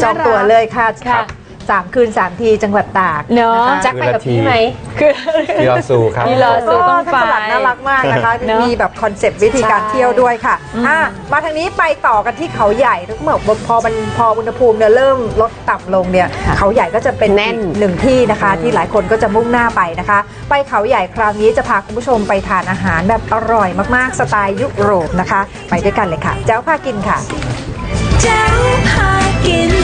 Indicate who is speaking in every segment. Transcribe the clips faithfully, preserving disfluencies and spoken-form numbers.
Speaker 1: จองตั๋วเลยค่ะสามคืนสามทีจังหวัดตาก
Speaker 2: เนาะแจ็คไปกับพี่ไหม
Speaker 3: คือพี่รอซูครับ
Speaker 2: พี่รอซูต้องไป
Speaker 1: น่ารักมากนะคะมีแบบคอนเซปต์วิธีการเที่ยวด้วยค่ะมาทางนี้ไปต่อกันที่เขาใหญ่ทุกเมื่อพอมันพออุณหภูมิเนี่ยเริ่มลดต่ำลงเนี่ยเขาใหญ่ก็จะเป็นแน่นหนึ่งที่นะคะที่หลายคนก็จะมุ่งหน้าไปนะคะไปเขาใหญ่คราวนี้จะพาคุณผู้ชมไปทานอาหารแบบอร่อยมากๆสไตล์ยุโรปนะคะไปด้วยกันเลยค่ะแจ้วพากินค่ะแจ้วพากิน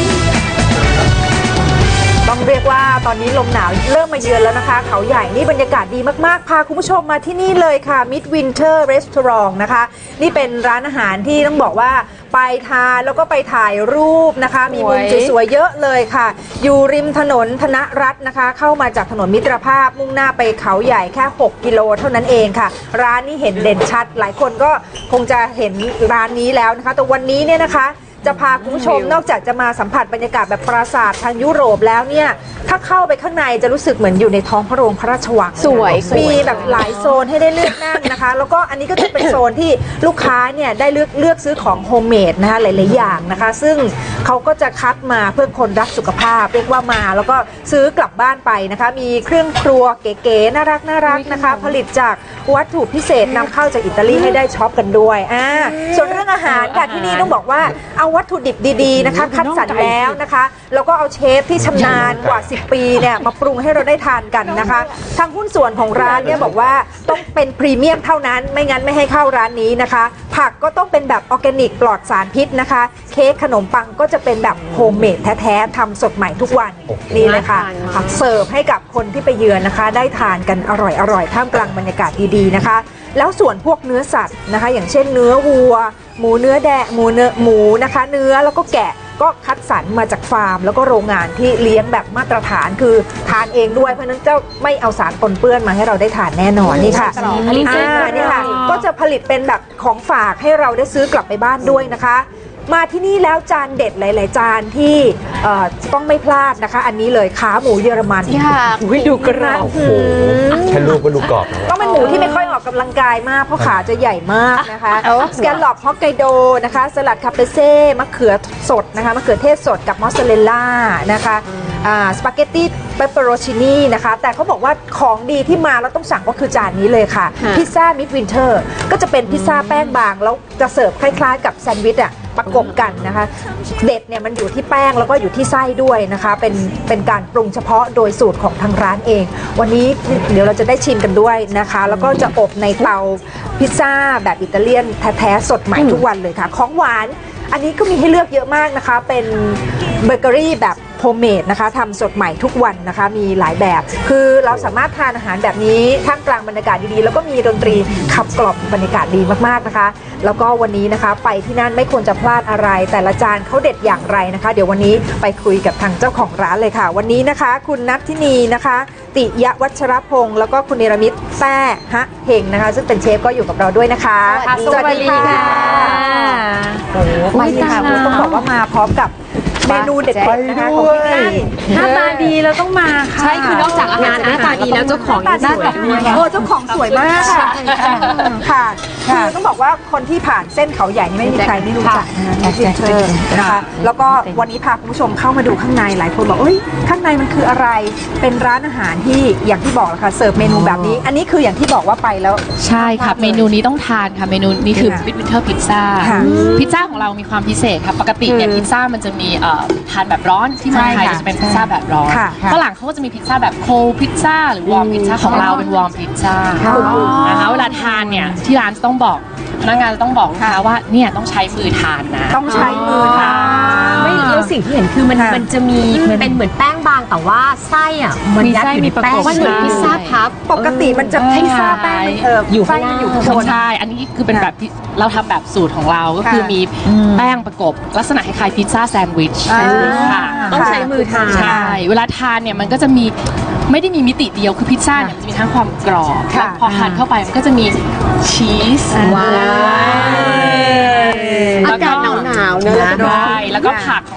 Speaker 1: ต้องเรียกว่าตอนนี้ลมหนาวเริ่มมาเยือนแล้วนะคะเขาใหญ่นี่บรรยากาศดีมากๆพาคุณผู้ชมมาที่นี่เลยค่ะ Midwinter Restaurant นะคะนี่เป็นร้านอาหารที่ต้องบอกว่าไปทานแล้วก็ไปถ่ายรูปนะคะมีมุมสวยๆเยอะเลยค่ะอยู่ริมถนนธนรัตน์นะคะเข้ามาจากถนนมิตรภาพมุ่งหน้าไปเขาใหญ่แค่หกกิโลเท่านั้นเองค่ะร้านนี้เห็นเด่นชัดหลายคนก็คงจะเห็นร้านนี้แล้วนะคะแต่วันนี้เนี่ยนะคะจะพาคุณผู้ชมนอกจากจะมาสัมผัสบรรยากาศแบบปราสาททางยุโรปแล้วเนี่ยถ้าเข้าไปข้างในจะรู้สึกเหมือนอยู่ในท้องพระโรงพระราชวังสวยมีแบบหลายโซนให้ได้เลือกนั่งนะคะแล้วก็อันนี้ก็จะเป็นโซนที่ลูกค้าเนี่ยได้เลือกเลือกซื้อของโฮมเมดนะคะหลายๆอย่างนะคะซึ่งเขาก็จะคัดมาเพื่อคนรักสุขภาพเรียกว่ามาแล้วก็ซื้อกลับบ้านไปนะคะมีเครื่องครัวเก๋ๆน่ารักน่ารักนะคะผลิตจากวัตถุพิเศษนำเข้าจากอิตาลีให้ได้ช็อปกันด้วยอ่าส่วนเรื่องอาหารค่ะที่นี่ต้องบอกว่าเอาวัตถุดิบดีๆนะคะคัดสรรแล้วนะคะแล้วก็เอาเชฟที่ชำนาญกว่าสิบปีเนี่ยมาปรุงให้เราได้ทานกันนะคะทางหุ้นส่วนของร้านเนี่ยบอกว่าต้องเป็นพรีเมียมเท่านั้นไม่งั้นไม่ให้เข้าร้านนี้นะคะผักก็ต้องเป็นแบบออร์แกนิกปลอดสารพิษนะคะเค้กขนมปังก็จะเป็นแบบโฮมเมดแท้ๆทำสดใหม่ทุกวันนี่เลยค่ะเสิร์ฟให้กับคนที่ไปเยือนนะคะได้ทานกันอร่อยๆท่ามกลางบรรยากาศดีๆนะคะแล้วส่วนพวกเนื้อสัตว์นะคะอย่างเช่นเนื้อวัวหมูเนื้อแดะหมูเนื้อหมูนะคะเนื้อแล้วก็แกะก็คัดสรรมาจากฟาร์มแล้วก็โรงงานที่เลี้ยงแบบมาตรฐานคือทานเองด้วยเพราะนั้นเจ้าไม่เอาสารปนเปื้อนมาให้เราได้ทานแน่นอนนี่ค่ะผลิตนี่ค่ะก็จะผลิตเป็นแบบของฝากให้เราได้ซื้อกลับไปบ้านด้วยนะคะมาที่นี่แล้วจานเด็ดหลายๆจานที่ต้องไม่พลาดนะคะอันนี้เลยขาหมูเยอรมันดูกระโอ้โห
Speaker 3: แค่รูปก็ดูกรอบ
Speaker 1: ต้องเป็นหมูที่ไม่ค่อยออกกำลังกายมากเพราะขาจะใหญ่มากนะคะสแกลล็อปฮอกไกโดนะคะสลัดคาเปเซ่มะเขือสดนะคะมะเขือเทศสดกับมอสซาเรลล่านะคะสปาเกตตี้เปปเปอโรชินีนะคะแต่เขาบอกว่าของดีที่มาแล้วต้องสั่งก็คือจานนี้เลยค่ะพิซซ่ามิดวินเทอร์ก็จะเป็นพิซซ่าแป้งบางแล้วจะเสิร์ฟคล้ายๆกับแซนด์วิชอะประกบกันนะคะเด็ดเนี่ยมันอยู่ที่แป้งแล้วก็อยู่ที่ไส้ด้วยนะคะเป็นเป็นการปรุงเฉพาะโดยสูตรของทางร้านเองวันนี้เดี๋ยวเราจะได้ชิมกันด้วยนะคะแล้วก็จะอบในเตาพิซซ่าแบบอิตาเลียนแท้ๆสดใหม่ทุกวันเลยค่ะของหวานอันนี้ก็มีให้เลือกเยอะมากนะคะเป็นเบเกอรี่แบบโฮมเมดนะคะทำสดใหม่ทุกวันนะคะมีหลายแบบคือเราสามารถทานอาหารแบบนี้ท่ามกลางบรรยากาศดีๆแล้วก็มีดนตรีขับกล่อมบรรยากาศดีมากๆนะคะแล้วก็วันนี้นะคะไปที่นั่นไม่ควรจะพลาดอะไรแต่ละจานเขาเด็ดอย่างไรนะคะเดี๋ยววันนี้ไปคุยกับทางเจ้าของร้านเลยค่ะวันนี้นะคะคุณนัทธินีนะคะติยวัชรพงศ์แล้วก็คุณเนรมิตแต้ฮะเฮงนะคะซึ่งเป็นเชฟก็อยู่กับเราด้วยนะคะ
Speaker 2: สวัสดีค่ะ
Speaker 1: โอ้ไม่ค่ะต้องบอกว่ามาพร้อมกับเมนูเด็ดๆนะคะของที่นี่
Speaker 2: หน้าตาดีแล้วต้องมาค่ะ
Speaker 4: ใช่คือนอกจากอาหารหน้าตาดีแล้วเจ้าของ
Speaker 1: หน้าตาดีโอ้เจ้าของสวยมากค่ะค่ะคือต้องบอกว่าคนที่ผ่านเส้นเขาใหญ่นี่ไม่มีใครไม่รู้จักนะคะแล้วก็วันนี้พาคุณผู้ชมเข้ามาดูข้างในหลายคนบอกเอ้ยข้างในมันคืออะไรเป็นร้านอาหารที่อย่างที่บอกแล้วค่ะเสิร์ฟเมนูแบบนี้อันนี้คืออย่างที่บอกว่าไปแล้ว
Speaker 4: ใช่ค่ะเมนูนี้ต้องทานค่ะเมนูนี้คือมิดวินเทอร์พิซซ่าพิซซ่าของเรามีความพิเศษค่ะปกติเนี่ยพิซซ่ามันจะมีทานแบบร้อนที่เมืองไทยจะเป็นพิซซ่าแบบร้อนฝรั่งเขาก็จะมีพิซซ่าแบบโคลพิซซ่าหรือวอร์มพิซซ่าของเราเป็นวอร์มพิซซ่านะคะเวลาทานเนี่ยที่ร้านต้องบอกพนักงานจะต้องบอกลูกค้าว่าเนี่ยต้องใช้มือทานนะ
Speaker 1: ต้องใช้มือทาน
Speaker 4: ไม่แล้วสิ่งที่เห็นคือมันมันจะมีเป็นเหมือนแป้งบางแต่ว่าไส้อ่ะมันยัดอยู่ในแป้งมันเหมือนพิซซ่าพับ
Speaker 1: ปกติมันจะพิซซ่าแป้งเอออยู่ไส้มันอยู่ข้างบน
Speaker 4: ใช่อันนี้คือเป็นแบบเราทำแบบสูตรของเราก็คือมีแป้งประกบลักษณะคล้ายๆพิซซ่าแซนด์วิชค่ะ
Speaker 1: ต้องใช้มือทาน
Speaker 4: ใช่เวลาทานเนี่ยมันก็จะมีไม่ได้มีมิติเดียวคือพิซซ่าเนี่ยมันจะมีทั้งความกรอบและพอทานเข้าไปมันก็จะมีชีส
Speaker 1: ว้าว
Speaker 4: อากาศหนาวๆเนอะใช่แล้วก็ผักของ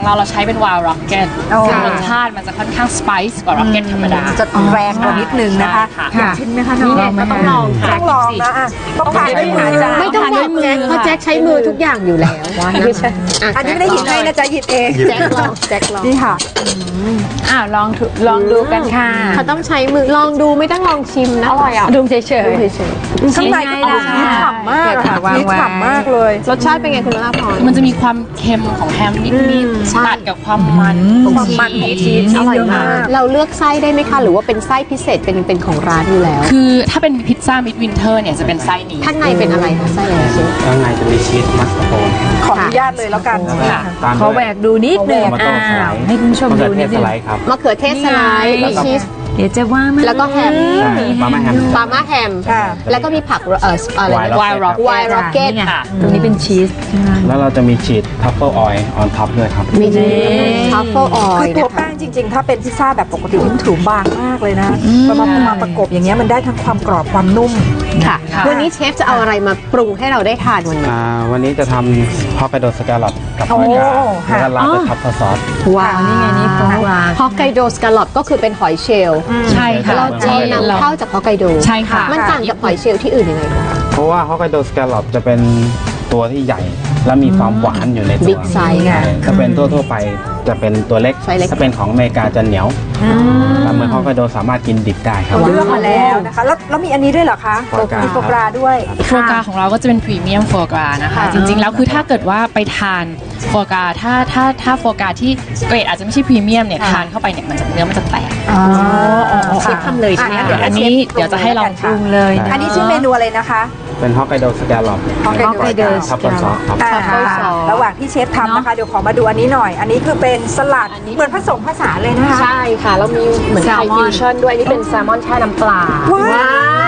Speaker 4: ของเราเราใช้เป็นวาล์วร็อกเก็ต
Speaker 1: โอ้
Speaker 4: ซึ่งรสชาติมันจะค่อนข้างสไปซ์กว่าร็อกเก็ตธรรมดา
Speaker 1: จะแรงกว่านิดนึงนะคะ
Speaker 4: ใช่ค่ะ
Speaker 1: อยากชิมไหมคะน้อง
Speaker 2: นี่ไงก็ต้องลองค่ะ
Speaker 1: ต้องลองนะอ่ะต้องทานด้วยมือจ้ะ
Speaker 2: ไม่ต้องบอกแจ็คเพราะแจ็คใช้มือทุกอย่างอยู่แล้วนะคะะ
Speaker 1: อันนี้ไม่ได้หยิบให้นะจ๊ะหยิบเอง
Speaker 2: แจ็คลองแจ็คลอง
Speaker 1: นี่ค่ะ
Speaker 2: อ้าวลองทุลองดูกันค่ะเขาต้องใช้มือลองดูไม่ต้องลองชิมนะอร่อยอ่ะดูเฉยๆดูเฉย
Speaker 1: ข้างในก็เอาชีสฉ่ำมากอะค่ะชีสฉ่ำมากเลย
Speaker 2: ๆรสชาติเป็นไงคุณลาพร
Speaker 4: มันจะมีความเค็มของแฮมนิดๆตัดกับความมันของ
Speaker 1: ความมันของชีส
Speaker 2: อร่อย
Speaker 1: เยอะ
Speaker 2: มาม
Speaker 1: าก ก
Speaker 2: เราเลือกไส้ได้ไหมคะหรือว่าเป็นไส้พิเศษเป็นเป็นของร้านอยู่แล้ว
Speaker 4: คือถ้าเป็นพิซซ่ามิดวินเทอร์เนี่ยจะเป็นไส้นี้
Speaker 2: ข้างในเป็นอะไรคะไส้อะไรเชฟ
Speaker 3: ข้างในจะมีชีสมัสตาร์โปน
Speaker 1: ขออนุญาตเลยแล้วกัน
Speaker 4: ค่ะ
Speaker 3: ตาม
Speaker 5: ขอแหวกดูนิดหนึง
Speaker 3: มาต้มสไลด์
Speaker 5: ให้คุณผู้ชมดูนิดหนึ
Speaker 3: ส
Speaker 5: ง
Speaker 3: ไลด์ครับ
Speaker 2: มะเขือเทศสไลด์มีชีส
Speaker 5: เดี๋ยวจะว่ามัน
Speaker 2: แล้วก็แฮม
Speaker 3: ใช่ปลาแม่แฮม
Speaker 2: ปาม่าแฮม
Speaker 1: ค่ะ
Speaker 2: แล้วก็มีผักเอ่ออะไร
Speaker 3: Wild
Speaker 2: วายร็อก
Speaker 3: Rocket
Speaker 2: วายร็อกเก็ต
Speaker 5: นี่ไง
Speaker 4: ค่ะ
Speaker 5: ตรงนี้เป็นชีสใช่ไหม
Speaker 3: แล้วเราจะมีฉีดทัฟเฟิลออยล์ออนท็อปด้วยครับ
Speaker 2: มีทัฟเฟิลออ
Speaker 1: คื
Speaker 2: ย
Speaker 1: อตัวแป้งจริง ๆ ถ้าเป็นพิซซ่าแบบปกติมันถือบางมากเลยนะพอมาพอมาประกบอย่างเงี้ยมันได้ทั้งความกรอบความนุ่ม
Speaker 2: ค่ะ
Speaker 4: ค่ะ
Speaker 2: วันนี้เชฟจะเอาอะไรมาปรุงให้เราได้ทานวันนี้
Speaker 3: อ่าวันนี้จะทำฮอกไกโดสแกลลอปกับ
Speaker 1: โอ้
Speaker 3: มะกา
Speaker 1: ค่ะ
Speaker 3: แล้วก็ราดด้วยทัฟเฟิลซอส
Speaker 2: ว้าว
Speaker 5: นี่ไงนี่โฟกรา
Speaker 2: ฮอกไกโดสกาลอปก็คือเป็นหอยเชลล์
Speaker 4: ใช่ค่ะ
Speaker 2: เราจะนำเข้าจากฮอกไกโด
Speaker 4: ใช่ค่ะ
Speaker 2: มันต่างจากหอยเชลล์ที่อื่นยังไงคะ
Speaker 3: เพราะว่าฮอกไกโดสแกลลอปจะเป็นตัวที่ใหญ่ และมีความหวานอยู่ในตัว
Speaker 2: Big size
Speaker 3: ใช่ถ้าเป็นทั่วๆไปจะเป็นตัวเล็ก
Speaker 2: ไซส์เล็ก
Speaker 3: ถ้าเป็นของอเมริกาจะเหนียวแต่เมืองฮอกไกโดสามารถกินดิบได้ครับ
Speaker 1: เลือกมาแล้วนะคะ แล้วแล้วมีอันนี้ด้วยเหรอคะ
Speaker 3: โฟกรา
Speaker 1: มีโฟกราด้วย
Speaker 4: โฟกราของเราก็จะเป็นพรีเมียมโฟกรานะคะ
Speaker 1: ค่ะ
Speaker 4: จริงๆ แล้วคือถ้าเกิดว่าไปทานโฟกราถ้าถ้าถ้าโฟกราที่เกรดอาจจะไม่ใช่พรีเมียมเนี่ยทานเข้าไปเนี่ยมันจะเนื้อมันจะแตก
Speaker 1: อ๋อ
Speaker 2: เชฟทำเลยใช่ไหม
Speaker 1: อ่ะ
Speaker 2: คะ
Speaker 4: อันนี้เดี๋ยวจะให้ลอง
Speaker 1: ปรุง
Speaker 5: เลย
Speaker 1: อันนี้ชื่อเมนูอะไรนะคะ
Speaker 3: เป็นฮอกไกโดสแกลลอป
Speaker 1: Hokkaido
Speaker 3: ทัฟเฟิลซอสครับ
Speaker 1: อ่า
Speaker 2: Truffle sauce
Speaker 1: ระหว่างที่เชฟทำนะคะ เดี๋ยวขอมาดูอันนี้หน่อย อันนี้คือเป็นสลัดเหมือนผสมผสานเลยนะคะ
Speaker 2: ใช่ค่ะ เรามีเหมือนไทยฟิวชั่นด้วย นี่เป็นแซลมอนแช่น้ำปลา
Speaker 1: ว้าว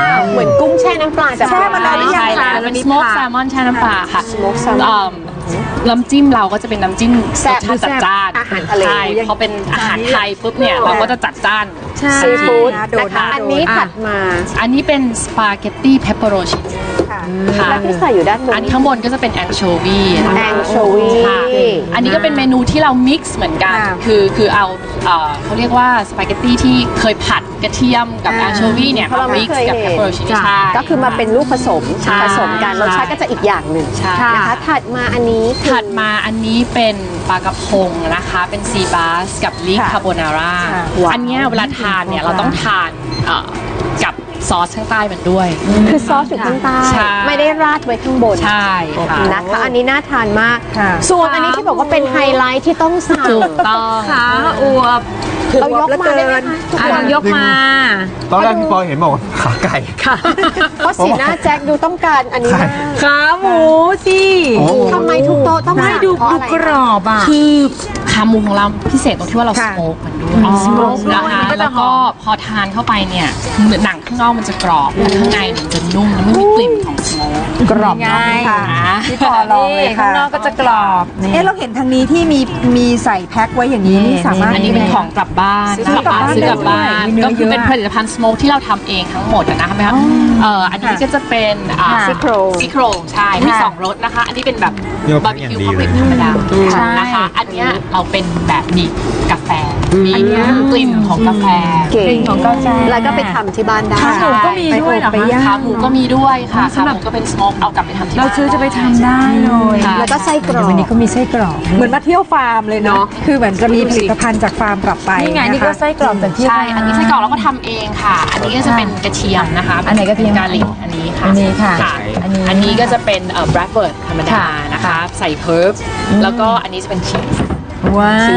Speaker 2: เหมือนกุ้งแช่น้ำปลาแต่
Speaker 1: แช่มานานหรือยัง
Speaker 4: ใช่แล้วเป็นสโมกแซลมอนแช่น้ำปลาค่ะ
Speaker 2: Smoked salmon
Speaker 4: เอิ่มน้ำจิ้มเราก็จะเป็นน้ำจิ้ม
Speaker 2: แซ่บ
Speaker 4: รสชาติจัดจ้าน
Speaker 2: อาหารทะเล
Speaker 4: ใช่พอเป็นอาหารไทยปุ๊บเนี่ยเราก็จะจัดจ้าน
Speaker 2: ซีฟู้ด
Speaker 1: โดน
Speaker 2: นะคะ
Speaker 1: นะ
Speaker 2: อันนี้
Speaker 1: โดน
Speaker 2: ถัดมา
Speaker 4: อันนี้เป็นสปาเกตตี้เพปเปอโรชินี
Speaker 1: ค่ะ
Speaker 4: ค่ะ
Speaker 2: และที่ใส่อยู่ด้านบน
Speaker 4: อันนี้ข้างบนก็จะเป็นแองโชวีนะคะ
Speaker 2: anchovy
Speaker 4: ค่ะอันนี้ก็เป็นเมนูที่เรามิกซ์เหมือนกัน
Speaker 1: อ่า
Speaker 4: คือคือเอาเอ่อเขาเรียกว่าสปาเกตตี้ที่เคยผัดกระเทียมกับ
Speaker 1: อ่า
Speaker 4: แองโชวีเนี่ย
Speaker 2: เพราะเรา
Speaker 4: มา
Speaker 2: ไม่
Speaker 4: มิก
Speaker 2: เค
Speaker 4: ซ์
Speaker 2: ย
Speaker 4: กับ
Speaker 2: เห็
Speaker 4: เพป
Speaker 2: น
Speaker 4: เปอโรชินีใช่
Speaker 2: ก็คือมาเป็นลูกผสม
Speaker 4: ใช่
Speaker 2: ผสมกัน
Speaker 4: ใช่
Speaker 2: รสชาติก็จะอีกอย่างหนึ่ง
Speaker 4: ใช่
Speaker 2: นะคะถัดมาอันนี้คือ
Speaker 4: ถัดมาอันนี้เป็นปลากระพงนะคะ เป็นซีบาสกับลิก
Speaker 1: ค่ะ
Speaker 4: คาโบนาร่า
Speaker 1: ค่ะ
Speaker 4: อันเนี้ยเวลาทานเนี่ยเราต้องทานเอ่อกับซอสข้างใต้มันด้วย
Speaker 2: คือซอสอยู่ข้างใต้
Speaker 4: ใช่
Speaker 2: ไม่ได้ราดไว้ข้างบน
Speaker 4: ใช่ค่ะ
Speaker 2: นะคะอันนี้น่าทานมาก
Speaker 1: ค่ะ
Speaker 2: ส่วนอันนี้ที่บอกว่าเป็นไฮไลท์ที่ต้องสั่ง
Speaker 4: ถูกต้อง
Speaker 5: ขาอวบ
Speaker 2: เรายกมาได้ไหมคะทุก
Speaker 5: อ่ะ
Speaker 2: คน
Speaker 5: ลองยกมา
Speaker 3: ตอนแรกพี่ปอยเห็นบอกว่าขาไก่
Speaker 2: เพราะสีหน้าแจ็คดูต้องการอันนี้มาก
Speaker 5: ขาหมูสิ
Speaker 3: โอ้
Speaker 2: ทำไมทุกโต๊ะต้อง
Speaker 5: ไม่
Speaker 2: สั่ง
Speaker 5: ดู
Speaker 2: เพราะ
Speaker 5: ดู
Speaker 2: อะไร
Speaker 5: กรอบอ่ะ
Speaker 4: คือขาหมูของเราพิเศษตรงที่ว่าเราส
Speaker 1: ค่ะ
Speaker 4: โมกมันด้วยสโมกนะคะ
Speaker 5: มันก็จะ
Speaker 4: แล้ว
Speaker 5: ห
Speaker 4: ก็
Speaker 5: อม
Speaker 4: พอทานเข้าไปเนี่ยหนังข้างนอกมันจะกรอบแต่ข้างในเนี่ยมันจะนุ่มแล้วไม่มีกลิ่นของสโมก
Speaker 1: กรอบนอกค่ะพี่ปอลองเลย
Speaker 5: ข้า
Speaker 1: ค่ะ
Speaker 5: งนอกก็จะกรอบนี่
Speaker 1: เอ๊ะเราเห็นทางนี้ที่มีมีใส่แพ็คไว้อย่างนี้
Speaker 5: นี่
Speaker 1: นี่สามารถ
Speaker 4: อันนี้เป็นของกลับบ้าน
Speaker 1: ซื้อกลับบ้าน
Speaker 4: ซื้อกลับบ้าน
Speaker 1: ได้ด้วยมีเนื้อ
Speaker 4: ก็คือเป็น
Speaker 1: เยอะ
Speaker 4: ผลิตภัณฑ์สโมกที่เราทำเองทั้งหมดอะนะคะไหมคะเอ่ออันนี้ก็จะเป็นอ่า
Speaker 5: ค่ะ
Speaker 2: ซี่โครง
Speaker 4: ซี่โครงใช่มี
Speaker 1: ค่ะ
Speaker 4: สองรสนะคะ อันนี้เป็นแบบ
Speaker 3: โยก
Speaker 4: บาร์บี
Speaker 3: อย่าง
Speaker 4: คิว
Speaker 3: ดี
Speaker 4: คอมเพ
Speaker 3: เล
Speaker 4: ล็
Speaker 3: ย
Speaker 4: กซ์ธรรมดา
Speaker 5: ใช่
Speaker 4: นะคะ อันเนี้ยเราเป็นแบบมีกาแฟมีกลิ่นของกาแฟ
Speaker 2: เก่ง
Speaker 5: ของกาแฟ
Speaker 2: แล้วก็ไปทำที่บ้านได้
Speaker 5: ขาหมูก็มีด้วยเหรอ
Speaker 1: ไป
Speaker 5: คะ
Speaker 1: ย่าง
Speaker 4: ขาหมูก็มีด้วยค่ะ
Speaker 5: สำ
Speaker 4: ขา
Speaker 5: ห
Speaker 4: ห
Speaker 5: รับ
Speaker 4: มูก็เป็นสโมกเอากลับไปทำที่
Speaker 5: เรา
Speaker 4: บ้าน
Speaker 5: ซื้อจะไปทำได้เลย
Speaker 4: ค่ะ
Speaker 2: แล้วก็ไส้กรอก
Speaker 5: วันนี้ก็มีไส้กรอก
Speaker 1: เหมือนมาเที่ยวฟาร์มเลยเนาะ คือเหมือนจะมีผลิตภัณฑ์จากฟาร์มกลับไป
Speaker 5: นี่ไงนี่ก็
Speaker 1: ะคะ
Speaker 5: ไส้กรอกจากที่
Speaker 4: ใช่ อันนี้ไส้กรอกเราก็ทำเองค่ะ อันนี้ก็จะเป็นกระเทียมนะคะ
Speaker 5: อันไหนกระเทียม
Speaker 4: กาลิกอันนี้ค่ะ
Speaker 5: อันนี้ค่ะ
Speaker 4: อั
Speaker 5: อั
Speaker 4: น
Speaker 5: นนี้
Speaker 4: นี้อันนี้ก็จะเป็นเอ่อ b r a d b i r d ธรรมดา
Speaker 5: ค่ะ
Speaker 4: นะคะ ใส่เพิร์บแล้วก็อันนี้จะเป็นชีส
Speaker 5: ว้าว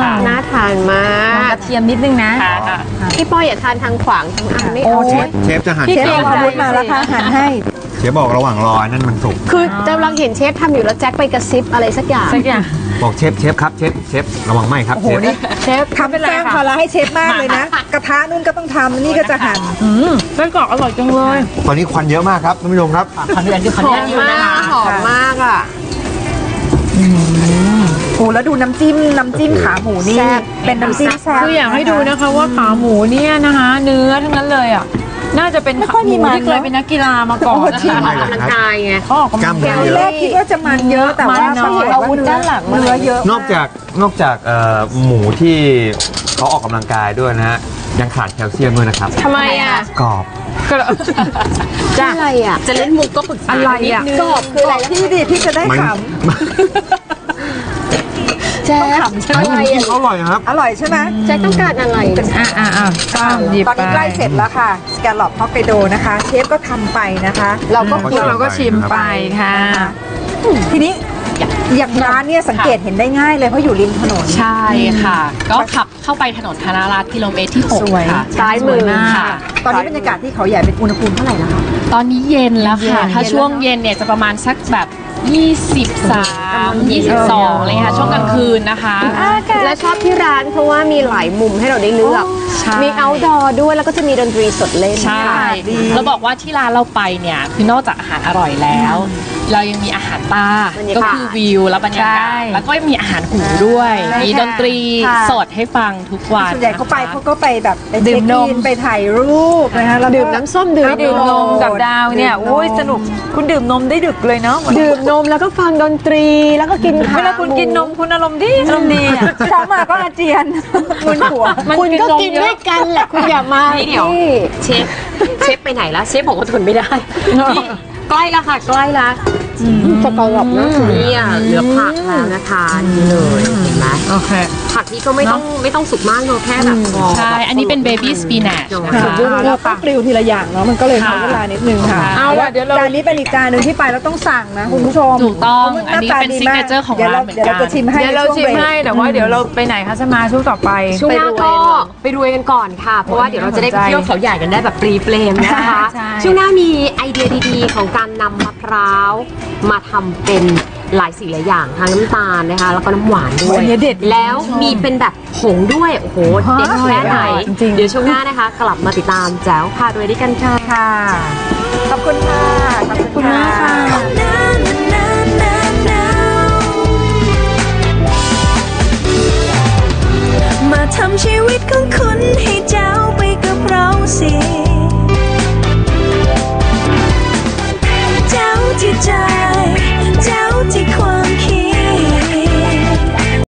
Speaker 2: น่าทานมาก
Speaker 5: ระเทียมนิดนึงนะ
Speaker 4: ค่ะค่ะ
Speaker 2: พี่ป้อยอย่าทานทางขวางทางอันไม่
Speaker 1: โอ้
Speaker 2: เอา
Speaker 1: เช
Speaker 2: ใช่
Speaker 1: ฟ
Speaker 3: เชฟจะหั่น
Speaker 5: พี่
Speaker 1: เชฟเอาอาวุธมาแล้วค่ะหันให้
Speaker 3: เชฟบอกระหว่างรอนั่นมันสุก
Speaker 2: คือจะกำลังเห็นเชฟทำอยู่แล้วแจ็คไปกระซิบอะไรสักอย่าง
Speaker 5: สักอย่าง
Speaker 3: บอกเชฟเชฟครับเชฟเชฟระวังไหมครับ
Speaker 1: โอ้โห
Speaker 3: เชฟ
Speaker 1: นี่
Speaker 2: เชฟ
Speaker 1: ทำสร้างภาระให้เชฟมากเลยนะ กระทะนู่นก็ต้องทำนี่ก็จะหั่น
Speaker 5: อืมไส้กรอกอร่อยจังเลย
Speaker 3: ตอนนี้ควันเยอะมากครับท่านผู้ชมครับ
Speaker 5: ขออนุญาตขออ
Speaker 2: ห
Speaker 5: นุ
Speaker 2: อ
Speaker 5: ญาต
Speaker 2: ม
Speaker 5: อยู่
Speaker 2: มา
Speaker 5: นะคะ
Speaker 2: กหอมมากอ่ะ
Speaker 1: โอ้แล้วดูน้ำจิ้มน้ำจิ้มขาหมูนี่
Speaker 2: แซ่บ
Speaker 1: เป็นน้ำจิ้มแซ่บ
Speaker 5: คืออยากให้ดูนะคะว่าขาหมูเนี่ยนะคะ เนื้อทั้งนั้นเลยอ่ะน่าจะเป็น
Speaker 1: ไม่ค่อยมีมัน
Speaker 5: ที่เคยเป็นนักกีฬามาก่อน
Speaker 1: โอ้
Speaker 5: นะ
Speaker 1: จริง
Speaker 5: คะ
Speaker 6: ออกกำลังกายไง
Speaker 5: เขาออกกำลังกาย
Speaker 1: ทีแรกคิดว่าจะมันเยอะแต่ว่า
Speaker 5: มันน้อย
Speaker 1: อาวุธด้านหลังเนื้อเยอะ
Speaker 6: นอกจากนอกจากเอ่อหมูที่เขาออกกำลังกายด้วยนะฮะยังขาดแคลเซียมด้วยนะครับ
Speaker 2: ทำไมอ่ะ
Speaker 6: กรอบ
Speaker 2: จ้าอะไรอ่ะ
Speaker 7: จะเล่นมุกก็ปรึกษา
Speaker 5: อะไรอ่ะ
Speaker 2: กรอบคืออะไร
Speaker 1: พี่ดิพี่จะได้
Speaker 6: มัน
Speaker 1: ข
Speaker 2: แจ๊ค
Speaker 6: อะไรอ่ะอร่อยครับ
Speaker 1: ำอร่อยใช่ไหม
Speaker 2: แจ๊คต้องการอะไร
Speaker 5: อ่ะอ่ะอ่ะก็หยิบ
Speaker 1: ตอน
Speaker 5: ไป
Speaker 1: นี้ใกล้เสร็จแล้วค่ะสแกลล็อปฮอกไกโดนะคะ เชฟก็ทำไปนะคะ
Speaker 2: เราก็
Speaker 6: อืม
Speaker 5: แล้วเราก็ชิมไปค่ะ
Speaker 1: ทีนี้อย่างร้านเนี่ยสังเกตเห็นได้ง่ายเลยเพราะอยู่ริมถนน
Speaker 4: ใช่ค่ะ ก็ขับเข้าไปถนนธนารัตน์กิโลเมตรที่หก
Speaker 5: สวย
Speaker 4: ค่ะ
Speaker 2: ซ้ายมือ
Speaker 4: สวมากค่ะ
Speaker 1: ตอนนี้บรรยากาศที่เขาใหญ่เป็นอุณหภูมิเท่าไหร่แล้วคะ
Speaker 4: ตอนนี้เย็นแล้วค่ะ
Speaker 1: เย็น
Speaker 4: ถ้าช่วงเย็นเนี่ยจะประมาณสักแบบยี่สิบสาม ยี่สิบสองอะไรเลยค่ะ ช่วงกลางคืนนะคะ
Speaker 2: และชอบที่ร้านเพราะว่ามีหลายมุมให้เราได้เลือก
Speaker 4: ใช่
Speaker 2: มี outdoor ด้วยแล้วก็จะมีดนตรีสดเล่น
Speaker 4: ใช่ เราบอกว่าที่ร้านเราไปเนี่ย คือนอกจากอาหารอร่อยแล้ว เรายังมีอาหารตา ก็คือวิวและบรรยากาศ แล้วก็มีอาหารหูด้วย มีดนตรีสดให้ฟังทุกวัน
Speaker 1: ส่วนใหญ่เขาไป
Speaker 4: นะคะ
Speaker 1: เขาก็ไปแบบไป
Speaker 5: ดื่
Speaker 1: เช็ค
Speaker 5: มนม
Speaker 1: อินไปถ่ายรูปนะคะแล้วก็
Speaker 2: ดื่มน้ำส้มดื่ม
Speaker 5: ดื่มนมกับดาวเนี่ย
Speaker 1: ดื่มนม
Speaker 5: โอ้ยสนุกคุณดื่มนมได้ดึกเลยเนาะ
Speaker 2: ดื่มนมแล้วก็ฟังดนตรีแล้วก็กินข้าว
Speaker 5: เวลาคุณกินนมคุณอารมณ์ดีอารมณ์ดีอะ
Speaker 1: เช้ามาก็อาเจียนมึนหัว
Speaker 2: คุณก็กินด้วยกันแหละคุณอย่ามา
Speaker 7: นี่เดี๋ยว
Speaker 2: ที่
Speaker 7: เชฟเชฟไปไหนแล้วเชฟบอกว่าทนไม่ได้นี่ใกล้แล้วค่ะใกล้แล้ว
Speaker 2: สกอร์บนะ
Speaker 7: นี่อ่ะเหลือผักแล้วนะคะนี่เลยเห็นไหม
Speaker 5: โอเค
Speaker 7: ผักนี่ก็ไม่ต้องไม่ต้องสุกมากเนอะแค่แบบพอ
Speaker 4: ใช่ อันนี้เป็นเบบี้สปีนัชนะ
Speaker 1: ค่ะ
Speaker 4: คะ
Speaker 1: เราต้องกริวทีละอย่างเนาะมันก็เลยใช้
Speaker 4: ค่ะ
Speaker 1: เวลานิดนึงค่ะ
Speaker 5: เอาล่ะเดี๋ยวเรา
Speaker 1: จานนี้เป็นอีกจานหนึ่งที่ไปแล้วต้องสั่งนะคุณผู้ชม
Speaker 4: ถูกต้อง
Speaker 1: พราะมั
Speaker 4: อันนี้เป็น
Speaker 1: หาตาดีมาก
Speaker 4: signature ของ
Speaker 1: ดี๋ยว
Speaker 4: ร้านเหมือนกัน
Speaker 1: เดี๋ยวเราจะชิมให้
Speaker 5: เดี๋ยวเรา
Speaker 1: ใน
Speaker 5: ชิ
Speaker 1: ช่ว
Speaker 5: ม
Speaker 1: งเบรก
Speaker 5: ให้แต่ว่าเดี๋ยวเราไปไหนคะจะมาช่วงต่อไป
Speaker 7: ช่วงหน้าก็
Speaker 5: ไปรวยเนอะ
Speaker 7: ไปรวยกันก่อนค่ะ เพราะว่าเดี๋ยวเราจะได้ไปเที่ยวเขาใหญ่กันได้แบบปรีเปรมนะคะ
Speaker 5: ใช่
Speaker 7: ช่วงหน้ามีไอเดียดีๆ ของการนำมะพร้าวมาทำเป็นหลายสีหลายอย่างทั้งน้ำตาลนะคะ แล้วก็น้ำหวานด้วย
Speaker 1: อันนี้เด็ด
Speaker 7: แล้วมีเป็นแบบผงด้วย โอ้โห เด็ดแค่ไหน
Speaker 5: จริงๆ
Speaker 7: เดี๋ยวช่วงหน้านะคะ กลับมาติดตามแจ๋วพารวยด้วยกันค่ะ
Speaker 1: ค่ะ ขอบคุณค่ะ ขอบคุณมากค่ะ
Speaker 8: มาทำชีวิตของคุณให้